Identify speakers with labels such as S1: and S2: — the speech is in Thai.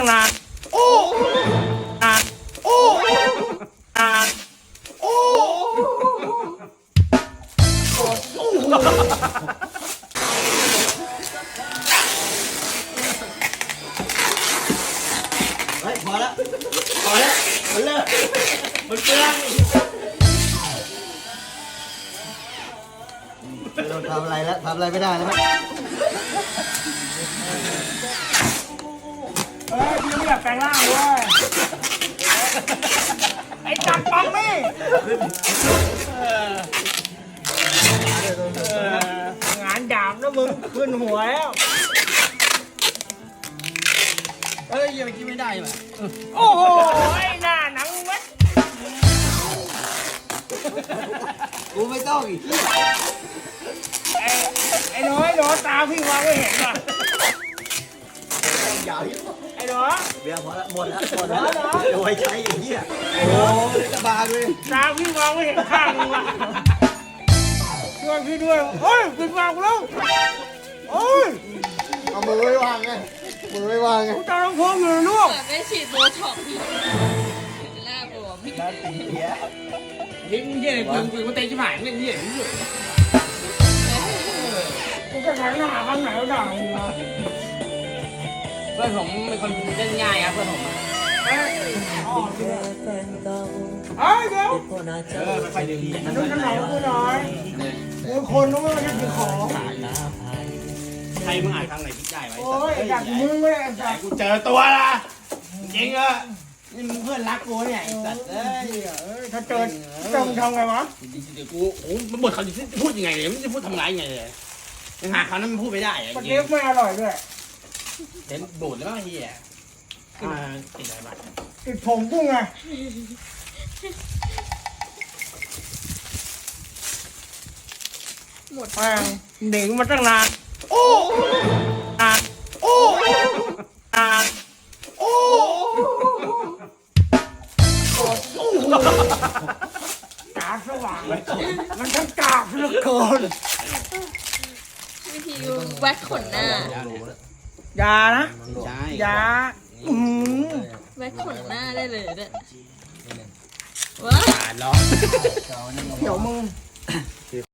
S1: นานโอ้นานโอ้นานโอ้
S2: เฮ้ยพอแล้วมันเลิกมันเปลืองเราทำอะไรแล้วทำอะไรไม่ได้แล้ว
S1: เฮ้ยพี่ไม่อยากแปลงร่างเว้ยไอ้จัดปังนี่งานดาบนะมึงขึ้นหัวแล้ว
S2: เฮ้ยยังกินไม่ได้ป่ะ
S1: โอ้โหไอ้หน้าหนังเม็ด
S2: กูไม่ต้องอีก
S1: ไอ้น้อยตาพี่วางไม่เห็นป่ะ
S2: ยาว
S1: ไอ้หนู
S2: เบียร์พอแล้วหมดแล้วเดี๋ยวไว้ใช้อย่างเงี้ยโอ้จะบาเลย
S1: ตาพี่วางไม่เห็นข้างมึงว่ะช่วยพี่ด้วยโอ้ยปิดปากกูแล้วโอ้ย
S2: เอามือไว้วางไงมือไว้วางไง
S1: กูจะร้องเพลงอยู่ลูก
S3: เหมือนไปฉีดโบท็อกซ์พี่หน้าบวม
S2: ด้านตีเหี้ย
S4: ทิ้งเหี้ยอะไรกูเตะชิบหายเล่นเหี้ยนี่อยู่
S1: กูจะแข่งหน้าข้างไหนก็ได้มึงวะ
S4: เพื่อนผมเป็นคนเล่นง่ายครับเพื่อนผม
S1: เฮ้ยเดี๋ยว
S4: ไปดึง
S1: อันนู้นขนมกูหน่อยกูคนนู้นไม่ใช่กินของ
S4: ใครมึงอ่านทางไหนพิจัยไว้
S1: โอ้ยอยากมึงเลยอยาก
S4: กูเจอตัวละจริงอ่ะนี่มึงเพื่อนรักกูเนี่ยไอ้สัตว์เอ้ย
S1: ถ้าเจอมึงทำไงวะ
S4: เดี๋ยวกูโอ้มันบทเขาจะพูดยังไงเนี่ยมันจะพูดทำร้ายยังไงเลยยังหาเขานั้นมันพูดไม่ได้อะ
S1: ปลา
S4: จริ
S1: เล็
S4: ง
S1: กไม่อร่อยด้วย
S4: เห็นบูดแล้วมั้งเฮียติดอะไรบ้าง
S1: ติดผงกุ้งไงหมดแป้งหนีมาตั้งนานโอ้นานโอ้นานโอ้ตาสว่างมันทั้งกากเหลือเกิน
S3: วิธีแว็กขนหน้า
S1: ยานะ
S4: ใช่
S1: ยาอืม
S3: แว็กขนหน้าได้เลยเนี่ยว้า
S4: ร้อง
S1: เดี๋ยวมึง